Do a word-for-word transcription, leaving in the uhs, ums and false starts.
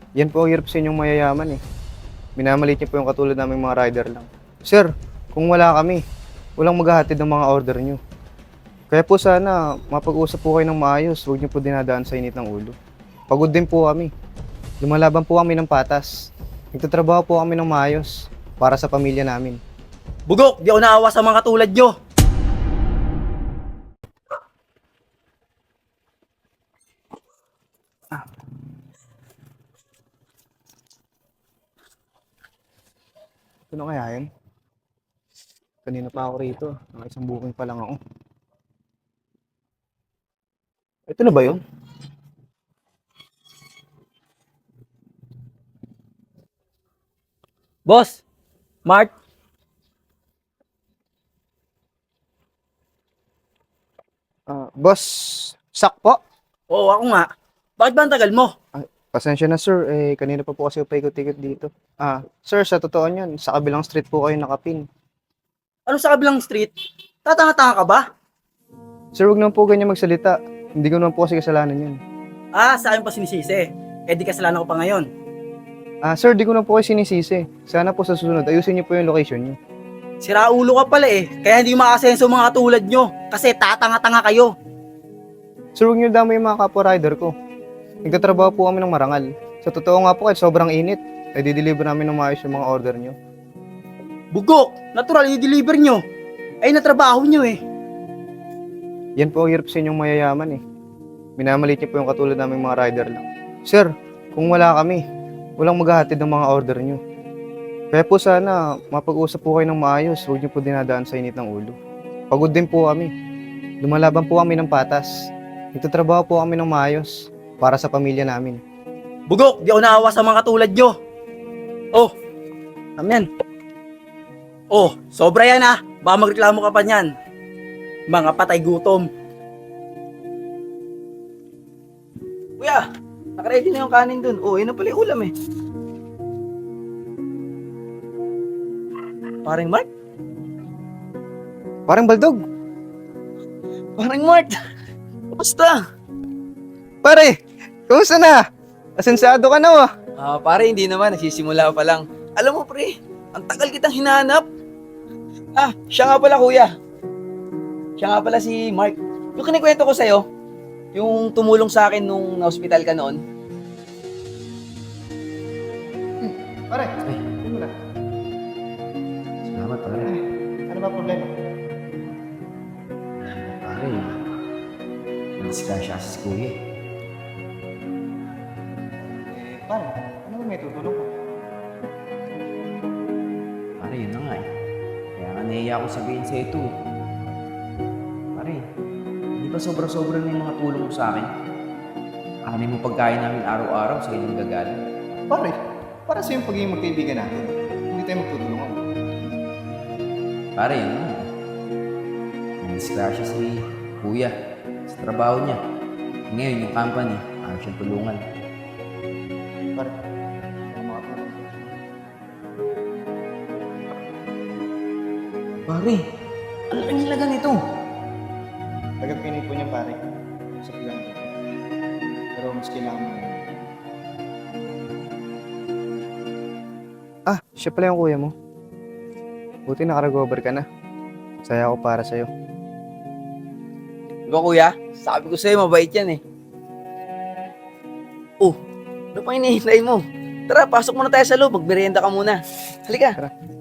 Yan po ang hirap sa inyong mayayaman eh. Minamalit niyo po yung katulad naming mga rider lang. Sir, kung wala kami, walang maghahatid ng mga order niyo. Kaya po sana, mapag-usap po kayo ng maayos. Huwag niyo po dinadaan sa init ng ulo. Pagod din po kami. Lumalaban po kami ng patas. Nagtatrabaho po kami ng maayos para sa pamilya namin. Bugok, di ako naawa sa mga katulad nyo. Ano kaya yun? Kanina pa ako rito. Naka isang booking pa lang ako. Ito na ba yun? Boss, Mart, Ah, boss, sak po. oo ako nga. Bakit ba ang tagal mo? Ay, pasensya na sir, eh kanina pa po kasi paikot-ikot dito. Ah, sir, sa totoo niyan, sa kabilang street po kayo nakapin. Ano sa kabilang street? Tatanga-tanga ka ba? Sir, wag naman po ganyan magsalita. Hindi ko naman po kasi kasalanan yun. Ah, sa akin pa sinisisi. Eh di kasalanan ko pa ngayon. Ah, sir, di ko na po kayo sinisisi. Sana po sa susunod, ayusin niyo po yung location niyo. Sira ulo ka pala eh. Kaya hindi makasenso mga katulad nyo. Kasi tatanga-tanga kayo. Sir, huwag niyo damay yung mga kapwa rider ko. Nagtatrabaho po kami ng marangal. Sa totoo nga po, kahit sobrang init, ay dideliver namin ng maayos yung mga order niyo. Bugok, natural i-deliver nyo. Ay natrabaho nyo eh. Yan po ang hirap sa inyong mayayaman eh. Minamalit niyo po yung katulad naming mga rider lang. Sir, kung wala kami, walang maghahatid ng mga order niyo. Kaya po sana, mapag-usap po kayo ng maayos. Huwag niyo po dinadaan sa init ng ulo. Pagod din po kami. Lumalaban po kami ng patas. Nagtatrabaho po kami ng maayos para sa pamilya namin. Bugok, di ako naawa sa mga katulad nyo. Oh, amen. Oh, sobra yan ah. Baka magreklamo ka pa niyan. Mga patay gutom. Kuya, nakaready na yung kanin dun. Oh, yun na pala yung ulam eh. Paring Mark? Parang baldog. Paring Mark! Kamusta? Pare, kumusta na? Asensado ka na ah. Ah, pare, hindi naman. Nagsisimula pa lang. Alam mo, pre, ang tagal kitang hinahanap. Ah, siya nga pala, kuya. Siya nga pala si Mark. Yung kinikwento ko sa'yo, yung tumulong sa akin nung na-hospital ka noon. Pare, ay, ano na? Salamat pare. Ano ba problema? Pare, na-disgrasya si kuya eh. Eh, pare, ano ba may tutulong ko? Pare, yun na nga eh. Kaya nga nahiya ako sabihin sa ito eh. Pare, hindi ba sobra-sobra na yung mga tulong mo sa akin? Anay mo pagkain namin araw-araw sa inyong gagaling. Pare, para sa yung pagiging magkaibigan natin, hindi tayo magtutulungan. Pare, yun na nga. Na-disgrasya si kuya sa trabaho niya. Ngayon, yung company, ayaw siyang tulungan. Pare, ano mga tulong ko? Pare, ano ang hilaga nito? Tagapinay po niya pare. Sa lang ko. Pero mas kailangan mo. Ah, siya pala yung kuya mo. Buti nakaragover ka na. Saya ako para sa'yo. Di ba, kuya? Sabi ko sa'yo, mabait yan eh. Oh, ano pa hinihintay mo? Tara, pasok muna tayo sa loob. Magmerienda ka muna. Halika. Tara.